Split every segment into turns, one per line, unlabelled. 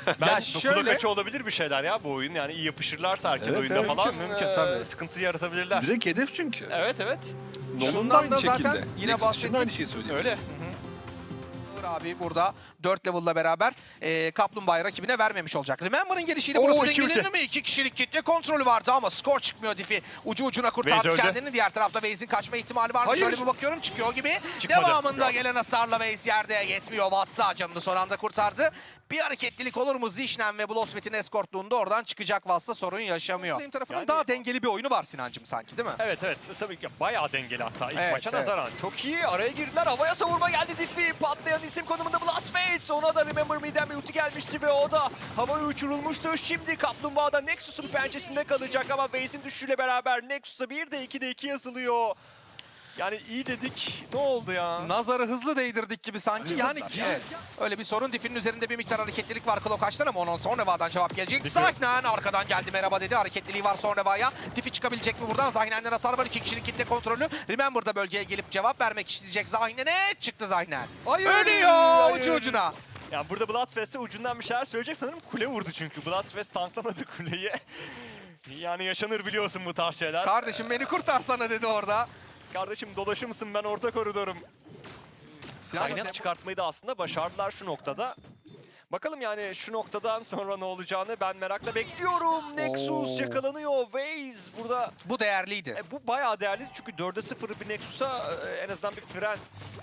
Ben
şöyle-
dokula kaçı olabilir bir şeyler ya bu oyun. Yani iyi yapışırlarsa erken
Evet,
oyunda
evet,
falan
mümkün, tabii.
sıkıntı yaratabilirler.
Direkt hedef çünkü.
Evet evet.
Nolan
Şundan
da aynı
da zaten
şekilde.
yine
Nexus için de
bahsettik.
aynı şeyi söyleyeyim.
Öyle.
Abi burada 4 level'la beraber Kaplumbağa'yı rakibine vermemiş olacak. Remember'ın gelişiyle
Oo,
burası
iki
dengelenir
ulti.
mi? 2 kişilik kitle kontrolü vardı ama skor çıkmıyor Diffie. Ucu ucuna kurtardı
Waze öldü.
kendini. Diğer tarafta Waze'in kaçma ihtimali var mı?
Hayır.
Şöyle bir bakıyorum çıkıyor gibi.
Çıkmadı.
Devamında gelen hasarla Waze yerde yetmiyor. Vassa canını son anda kurtardı. Bir hareketlilik olur mu? Zişnen ve Blosvet'in eskortluğunda oradan çıkacak Vassa sorun yaşamıyor. Benim tarafının
Yani-
daha dengeli bir oyunu var Sinancım sanki değil mi?
Evet evet tabii ki bayağı dengeli hatta ilk
Evet,
maça
evet.
nazaran. Çok iyi araya girdiler, havaya savurma geldi Diffie. Patlayan isim konumunda Bloodfade. Ona da Remember Me'den bir ulti gelmişti ve o da havaya uçurulmuştu. Şimdi Kaplumbağa'da Nexus'un pençesinde kalacak ama Waze'in düşüşüyle beraber Nexus'a 1'de 2'de 2 yazılıyor. Yani iyi dedik. Ne oldu ya?
Nazarı hızlı değdirdik gibi sanki.
Hızlı
Yani
da.
evet. Öyle bir sorun. Diffie'nin üzerinde bir miktar hareketlilik var Klokaç'tan ama onun Sonreva'dan cevap gelecek.
Diffie.
Zahnen arkadan geldi merhaba dedi. Hareketliliği var Sonreva'ya. Diffie çıkabilecek mi buradan? Zahnen'den hasar var. 2 kişinin kitle kontrolü. Remember da bölgeye gelip cevap vermek isteyecek Zahnen'e. Çıktı Zahnen.
Hayır,
Ölüyor
hayır.
ucu ucuna.
Yani burada Bloodfest'e ucundan bir şeyler söyleyecek sanırım. Kule vurdu çünkü. Bloodfest tanklamadı kuleyi. Yani yaşanır biliyorsun bu tarz şeyler.
Kardeşim beni kurtarsana dedi orada.
Kardeşim dolaşır mısın, ben orta koridorum. Kaynak çıkartmayı da aslında başardılar şu noktada. Bakalım yani şu noktadan sonra ne olacağını ben merakla bekliyorum. Nexus yakalanıyor. Waze burada
Bu değerliydi.
bu bayağı değerli çünkü 4'e 0 bir Nexus'a en azından bir fren.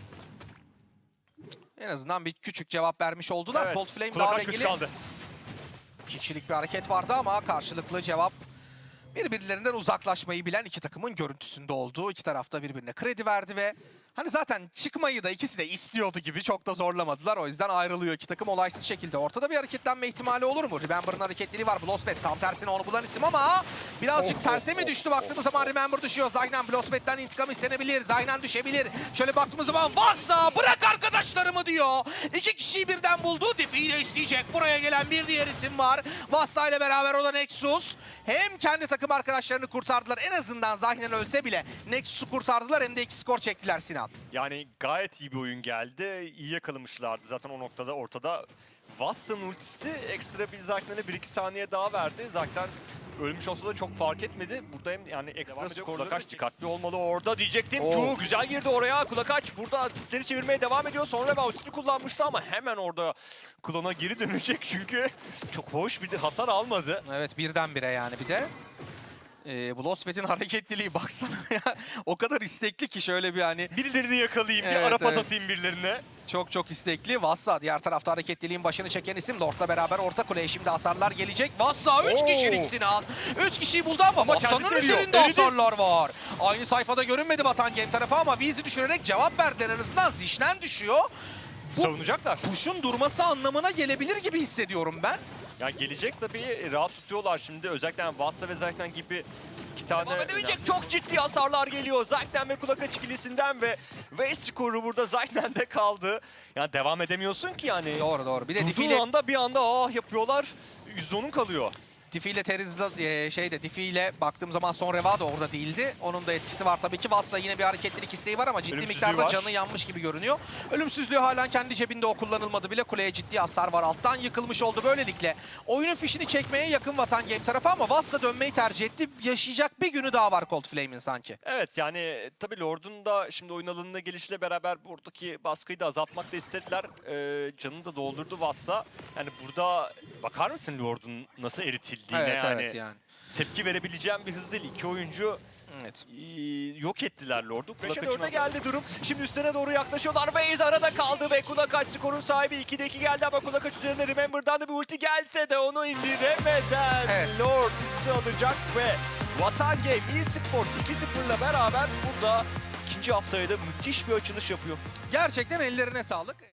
En azından bir küçük cevap vermiş oldular. Cold Flame
kulak
daha
aç güç
dengeli.
kaldı.
2 kişilik bir hareket vardı ama karşılıklı cevap birbirlerinden uzaklaşmayı bilen iki takımın görüntüsünde olduğu. İki tarafta birbirine kredi verdi ve hani zaten çıkmayı da ikisi de istiyordu gibi çok da zorlamadılar. O yüzden ayrılıyor iki takım olaysız şekilde. Ortada bir hareketlenme ihtimali olur mu? Remember'ın hareketliliği var. Blosvet tam tersine onu bulan isim ama birazcık terse mi düştü? Baktığımız zaman Remember düşüyor. Zaynen Blosvet'ten intikam istenebilir. Zaynen düşebilir. Şöyle baktığımız zaman Vassa bırak arkadaşlarımı diyor. İki kişiyi birden buldu. Diffie ile isteyecek. Buraya gelen bir diğer isim var. Vassa ile beraber o da Nexus. Hem kendi takım arkadaşlarını kurtardılar. En azından Zahnen ölse bile Nexus'u kurtardılar hem de 2 skor çektiler Sinan.
Yani gayet iyi bir oyun geldi. İyi yakalamışlardı zaten o noktada ortada. Wassa'nın ultisi ekstra bir Zaknen'e 1-2 saniye daha verdi. Zaten ölmüş olsa da çok fark etmedi. Burada hem yani ekstra skor. Kulakaç dikkatli olmalı orada diyecektim. Çok güzel girdi oraya. Kulakaç burada disleri çevirmeye devam ediyor. Sonra ultisini kullanmıştı ama hemen orada klona geri dönecek çünkü çok hoş bir de hasar almadı.
Evet birdenbire yani bir de. Blosvet'in hareketliliği baksana ya. O kadar istekli ki şöyle bir hani
Birilerini yakalayayım, bir
Evet,
ara pas
evet.
atayım birilerine.
çok istekli. Vassa diğer tarafta hareketliliğin başını çeken isim. Lord'la beraber orta kuleye şimdi hasarlar gelecek. Vassa 3
Oo.
kişilik Sinan. 3 kişiyi buldu ama Vassa'nın
kendisi eriyor.
üzerinde
Eridi.
hasarlar var. Aynı sayfada görünmedi Batan Game tarafı ama Vizi düşürerek cevap verdiler arasından. Zişnen düşüyor. Bu
Savunacaklar.
push'un durması anlamına gelebilir gibi hissediyorum ben.
Ya gelecek tabii, rahat tutuyorlar şimdi. Özellikle yani Vassa ve Zaknen gibi iki tane... Devam edebilecek çok ciddi hasarlar geliyor. Zaknen ve Kulakaç ikilisinden ve Waze skoru burada Zaknen'de kaldı. Yani devam edemiyorsun ki yani.
Doğru. Bir de Diffie
Durduğun
ile
anda bir anda yapıyorlar. %10'un kalıyor.
Diffie ile Diffie ile baktığım zaman Sonreva da orada değildi. Onun da etkisi var tabii ki. Vassa yine bir hareketlilik isteği var ama ciddi
Ölümsüzlüğü
miktarda
var.
canı yanmış gibi görünüyor. Ölümsüzlüğü halen kendi cebinde, o kullanılmadı bile. Kuleye ciddi hasar var. Alttan yıkılmış oldu böylelikle. Oyunun fişini çekmeye yakın Vatan Game tarafı ama Vassa dönmeyi tercih etti. Yaşayacak bir günü daha var Cold Flame'in sanki.
Evet yani tabii Lord'un da şimdi oyun alanına gelişiyle beraber buradaki baskıyı da azaltmak da istediler. Canını da doldurdu Vassa. Yani burada bakar mısın Lord'un nasıl eritildiğine
Evet yani.
Tepki verebileceğim bir hız değil. İki oyuncu
Evet.
yok ettiler Lord'u.
5'e
Kulakaç'ın
4'e geldi durum. Şimdi üstüne doğru yaklaşıyorlar. Waze arada kaldı ve Kulakaç skorun sahibi. 2'de 2 geldi ama Kulakaç üzerinde Remember'dan da bir ulti gelse de onu indiremeden
Evet.
Lord üstü alacak ve Vatan Game eSports 2-0'la beraber burada
ikinci haftaya da müthiş bir açılış yapıyor.
Gerçekten ellerine sağlık.